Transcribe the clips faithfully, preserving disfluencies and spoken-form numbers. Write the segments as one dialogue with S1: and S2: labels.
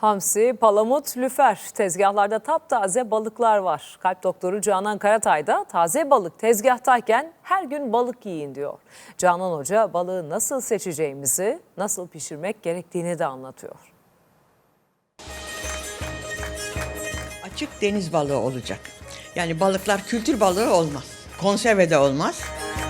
S1: Hamsi, palamut, lüfer. Tezgahlarda taptaze balıklar var. Kalp doktoru Canan Karatay da taze balık tezgahtayken her gün balık yiyin diyor. Canan Hoca balığı nasıl seçeceğimizi, nasıl pişirmek gerektiğini de anlatıyor.
S2: Açık deniz balığı olacak. Yani balıklar kültür balığı olmaz. Konserve de olmaz.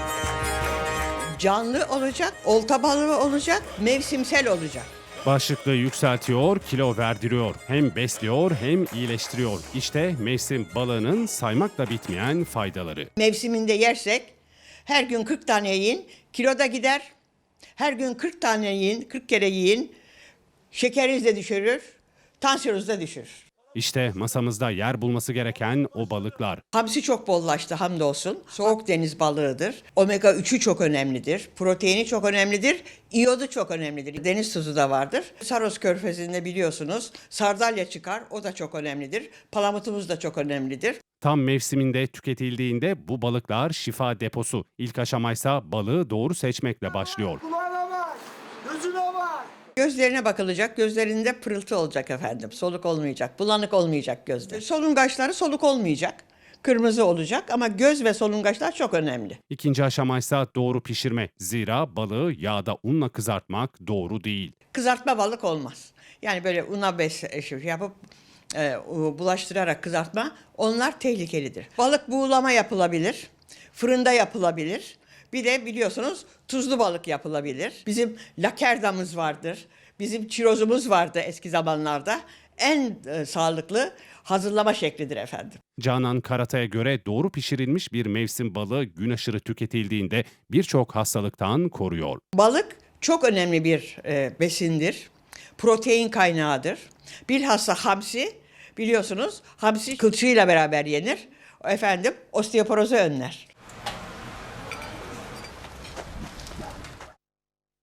S2: Canlı olacak, olta balığı olacak, mevsimsel olacak.
S3: Başlıklı yükseltiyor, kilo verdiriyor. Hem besliyor hem iyileştiriyor. İşte mevsim balığının saymakla bitmeyen faydaları.
S2: Mevsiminde yersek her gün kırk tane yiyin, kilo da gider. Her gün kırk tane yiyin, kırk kere yiyin. Şekeriniz de düşürür, tansiyonunuz da düşürür.
S3: İşte masamızda yer bulması gereken o balıklar.
S2: Hamsi çok bollaştı hamdolsun. Soğuk deniz balığıdır. Omega üçü çok önemlidir. Proteini çok önemlidir. İyodu çok önemlidir. Deniz tuzu da vardır. Saros Körfezi'nde biliyorsunuz sardalya çıkar. O da çok önemlidir. Palamutumuz da çok önemlidir.
S3: Tam mevsiminde tüketildiğinde bu balıklar şifa deposu. İlk aşamaysa balığı doğru seçmekle başlıyor.
S4: Kulağına bak, gözüne bak.
S2: Gözlerine bakılacak. Gözlerinde pırıltı olacak efendim. Soluk olmayacak. Bulanık olmayacak gözler. Solungaçları soluk olmayacak. Kırmızı olacak ama göz ve solungaçlar çok önemli.
S3: İkinci aşamaysa doğru pişirme. Zira balığı yağda unla kızartmak doğru değil.
S2: Kızartma balık olmaz. Yani böyle una bes yapıp e, bulaştırarak kızartma, onlar tehlikelidir. Balık buğulama yapılabilir, fırında yapılabilir. Bir de biliyorsunuz tuzlu balık yapılabilir. Bizim lakerdamız vardır, bizim çirozumuz vardı eski zamanlarda. En e, sağlıklı hazırlama şeklidir efendim.
S3: Canan Karatay'a göre doğru pişirilmiş bir mevsim balığı gün aşırı tüketildiğinde birçok hastalıktan koruyor.
S2: Balık çok önemli bir e, besindir. Protein kaynağıdır. Bilhassa hamsi, biliyorsunuz hamsi kılçığıyla beraber yenir. Efendim osteoporozu önler.